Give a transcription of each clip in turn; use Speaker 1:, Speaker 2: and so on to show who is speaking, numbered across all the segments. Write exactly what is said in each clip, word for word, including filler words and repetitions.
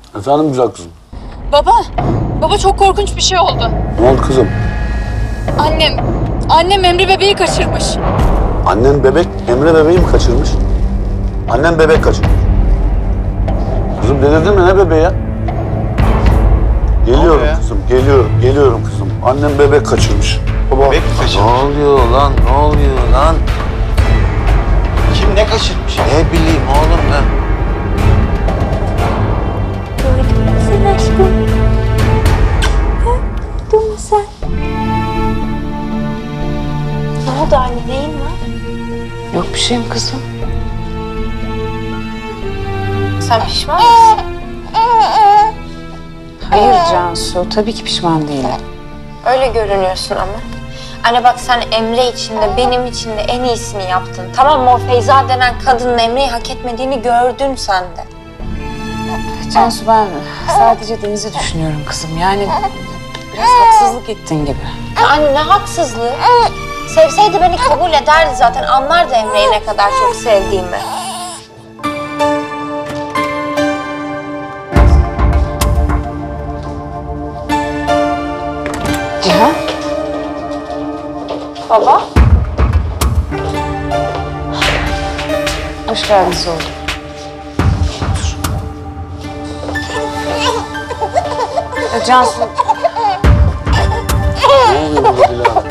Speaker 1: Efendim güzel kızım.
Speaker 2: Baba, baba çok korkunç bir şey oldu.
Speaker 1: Ne oldu kızım?
Speaker 2: Annem, annem Emre bebeği kaçırmış.
Speaker 1: Annen bebek, Emre bebeği mi kaçırmış? Annen bebek kaçırmış. Kızım delirdin mi ne bebeği ya? Geliyorum
Speaker 3: ya?
Speaker 1: kızım, geliyorum, geliyorum kızım. Annem bebek kaçırmış. Baba.
Speaker 3: Bebek mi
Speaker 4: Ne
Speaker 3: kaçırmış?
Speaker 4: oluyor lan? Ne oluyor lan?
Speaker 3: Kim ne kaçırmış?
Speaker 4: Ne bileyim oğlum ben.
Speaker 5: Sen aşkım. Duydun mu sen? Ne oldu anne, neyin var?
Speaker 6: Yok bir şeyim kızım.
Speaker 5: Sen pişman mısın?
Speaker 6: Hayır Cansu, tabii ki pişman değilim.
Speaker 5: Öyle görünüyorsun ama. Anne bak sen Emre için de benim için de en iyisini yaptın. Tamam mı? O Feyza denen kadının Emre'yi hak etmediğini gördün sen de.
Speaker 6: Cansu ben sadece Deniz'i düşünüyorum kızım. Yani biraz haksızlık ettin gibi.
Speaker 5: Anne ne haksızlığı. Sevseydi beni kabul ederdi zaten. Anlardı Emre'yi ne kadar çok sevdiğimi.
Speaker 6: Cihan,
Speaker 5: Baba.
Speaker 6: hoş geldiniz oğlum. Ya Cansu,
Speaker 1: Ne oluyor baba Dilara?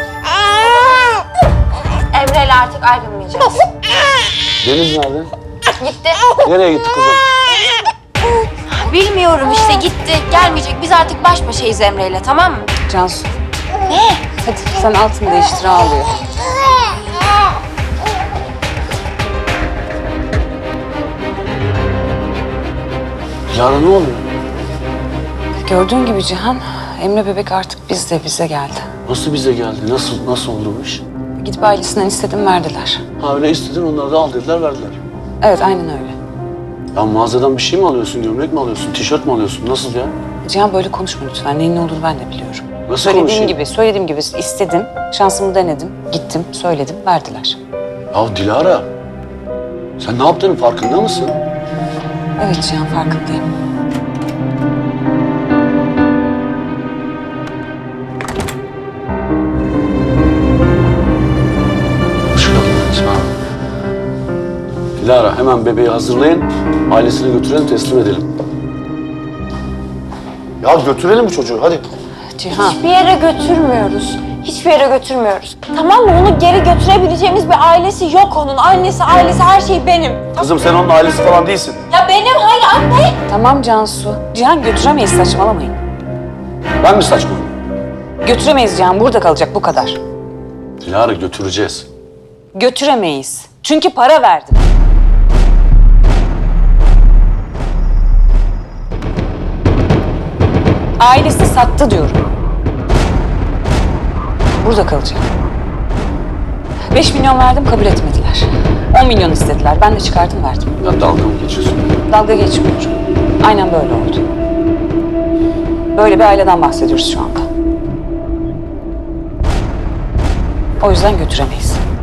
Speaker 5: Emre'yle artık ayrılmayacağız.
Speaker 1: Deniz nerede?
Speaker 5: Gitti.
Speaker 1: Nereye gitti kızım?
Speaker 5: Bilmiyorum işte gitti. Gelmeyecek. Biz artık baş başayız Emre'yle, tamam mı?
Speaker 6: Cansu. Ne? Hadi sen altını değiştir, ağlıyor.
Speaker 1: Dilara ne oluyor?
Speaker 6: Gördüğün gibi Cihan, Emre bebek artık bizde, bize geldi.
Speaker 1: Nasıl bize geldi? Nasıl nasıl oldu bu iş?
Speaker 6: Gidip ailesinden istedim, verdiler.
Speaker 1: Ha öyle istedin onlar da al dediler verdiler.
Speaker 6: Evet, aynen öyle.
Speaker 1: Ya mağazadan bir şey mi alıyorsun? Gömlek mi alıyorsun? Tişört mü alıyorsun? Nasıl ya?
Speaker 6: Cihan böyle konuşma lütfen. Neyin ne olduğunu ben de biliyorum.
Speaker 1: Nasıl
Speaker 6: Söylediğim
Speaker 1: konuşayım?
Speaker 6: gibi, söylediğim gibi istedim. Şansımı denedim. Gittim, söyledim, verdiler.
Speaker 1: Ya Dilara, sen ne yaptığının farkında mısın?
Speaker 6: Evet Cihan, farkındayım.
Speaker 1: Hoş geldiniz. Dilara hemen bebeği hazırlayın, ailesine götürelim, teslim edelim. Ya götürelim bu çocuğu, hadi.
Speaker 6: Cihan,
Speaker 5: Hiçbir yere götürmüyoruz. Hiçbir yere götürmüyoruz. Tamam mı? Onu geri götürebileceğimiz bir ailesi yok onun. Annesi, ailesi, her şey benim.
Speaker 1: Kızım sen onun ailesi falan değilsin.
Speaker 5: Ya benim, hayır anne.
Speaker 6: tamam Cansu. Cihan götüremeyiz, saçmalamayın.
Speaker 1: Ben mi saçmalım?
Speaker 6: Götüremeyiz Cihan, burada kalacak bu kadar.
Speaker 1: Dilara götüreceğiz.
Speaker 6: Götüremeyiz. Çünkü para verdim. Ailesi sattı diyorum. Burada kalacak. Beş milyon verdim, kabul etmediler. On milyon istediler. Ben de çıkardım, verdim.
Speaker 1: Ya dalga mı geçiyorsun?
Speaker 6: Dalga geçmiyorum. Aynen böyle oldu. Böyle bir aileden bahsediyoruz şu anda. O yüzden götüremeyiz.